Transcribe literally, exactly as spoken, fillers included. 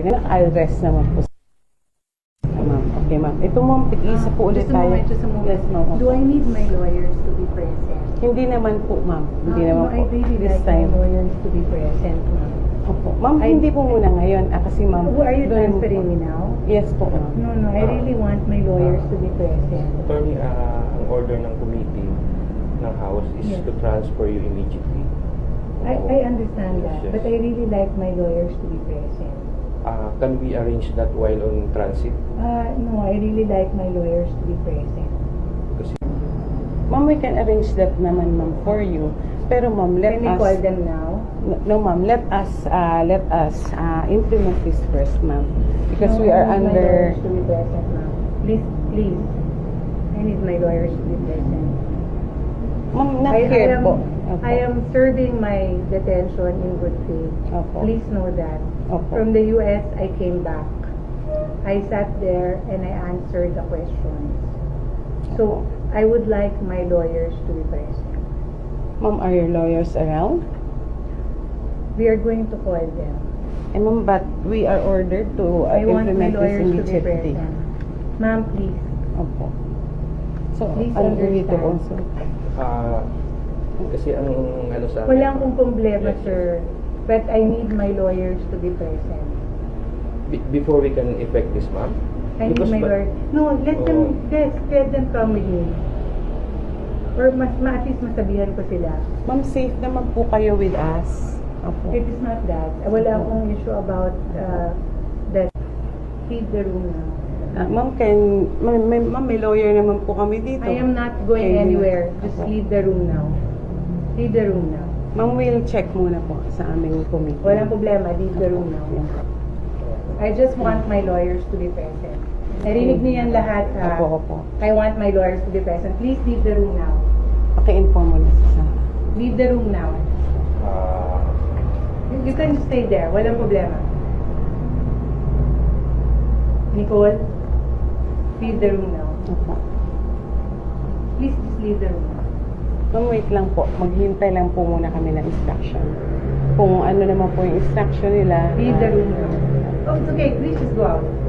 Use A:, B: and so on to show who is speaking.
A: I'll rest naman po. Ma'am, okay ma'am. Ito ma'am, isa po ulit
B: Just a
A: tayo.
B: moment, just a moment.
A: Yes ma'am.
B: Do I need my lawyers to be present?
A: Hindi naman po ma'am. Hindi
B: Ah,
A: naman
B: no,
A: po.
B: I really
A: This
B: like
A: time.
B: my lawyers to be present, ma'am.
A: Opo. Ma'am,
B: I-
A: hindi po muna ngayon. Ah, kasi ma'am.
B: Who are you
A: doon-
B: transferring me now?
A: Yes po ma'am.
B: No, no, I really want my lawyers to be present.
C: Attorney, ah, ang order ng committee ng House is
B: Yes.
C: to transfer you immediately.
B: I,
C: Oo.
B: I understand
C: Yes,
B: that,
C: yes.
B: but I really like my lawyers to be present.
C: Ah, can we arrange that while on transit?
B: Uh, no, I really like my lawyers to be present.
C: Kasi
A: Ma'am, we can arrange that naman ma'am for you. Pero ma'am, let
B: Can we
A: us...
B: call them now?
A: No, no, ma'am, let us uh, let us uh, implement this first, ma'am, because
B: No,
A: we are
B: I need my
A: under.
B: lawyers to be present now. Please, please. I need my lawyers to be present.
A: Ma'am, not
B: I, I
A: here
B: am,
A: po. Opo.
B: I am serving my detention in good faith.
A: Opo.
B: Please know that.
A: Opo.
B: From the U S, I came back. I sat there and I answered the questions. So, I would like my lawyers to be present.
A: Ma'am, are your lawyers around?
B: We are going to call them.
A: Eh, ma'am, but we are ordered to uh,
B: I want my
A: implement this
B: lawyers to be
A: immediately.
B: present. Ma'am, please.
A: Opo. So,
B: Please
A: ano we need to
B: understand.
A: also?
C: ah, kasi ang ano sa
B: Wala akong problema,
C: Yes, yes.
B: sir. But I need my lawyers to be present.
C: Be- before we can effect this, ma'am.
B: I need
C: Because
B: my
C: ba-
B: lawyer. No, let
C: Oh.
B: them, yes, let them come with me. Or mas, ma at least masabihan ko sila.
A: Ma'am, safe naman po kayo with us. Opo.
B: It is not that. Wala akong issue about uh, that. Leave the room now.
A: Ah, ma'am, can, ma'am, may, ma'am, may lawyer naman po kami dito.
B: I am not going
A: Okay,
B: anywhere. Just
A: opo.
B: leave the room now. Leave the room now.
A: Ma'am, we'll check muna po sa aming committee.
B: Walang problema. Leave the room now. I just want my lawyers to be present. Narinig niyo yan lahat, ha?
A: Opo, opo.
B: I want my lawyers to be present. Please leave the room now.
A: Paki-inform mo na sa...
B: Leave the room now.
C: ah,
B: You, you can stay there. Walang problema. Nicole, leave the room now.
A: Opo.
B: Please just leave the room now.
A: Ma'am, wait lang po. Maghintay lang po muna kami ng instruction. Kung ano naman po yung instruction nila.
B: Leave the
A: ah,
B: room now. Oh, it's okay. Please just go out.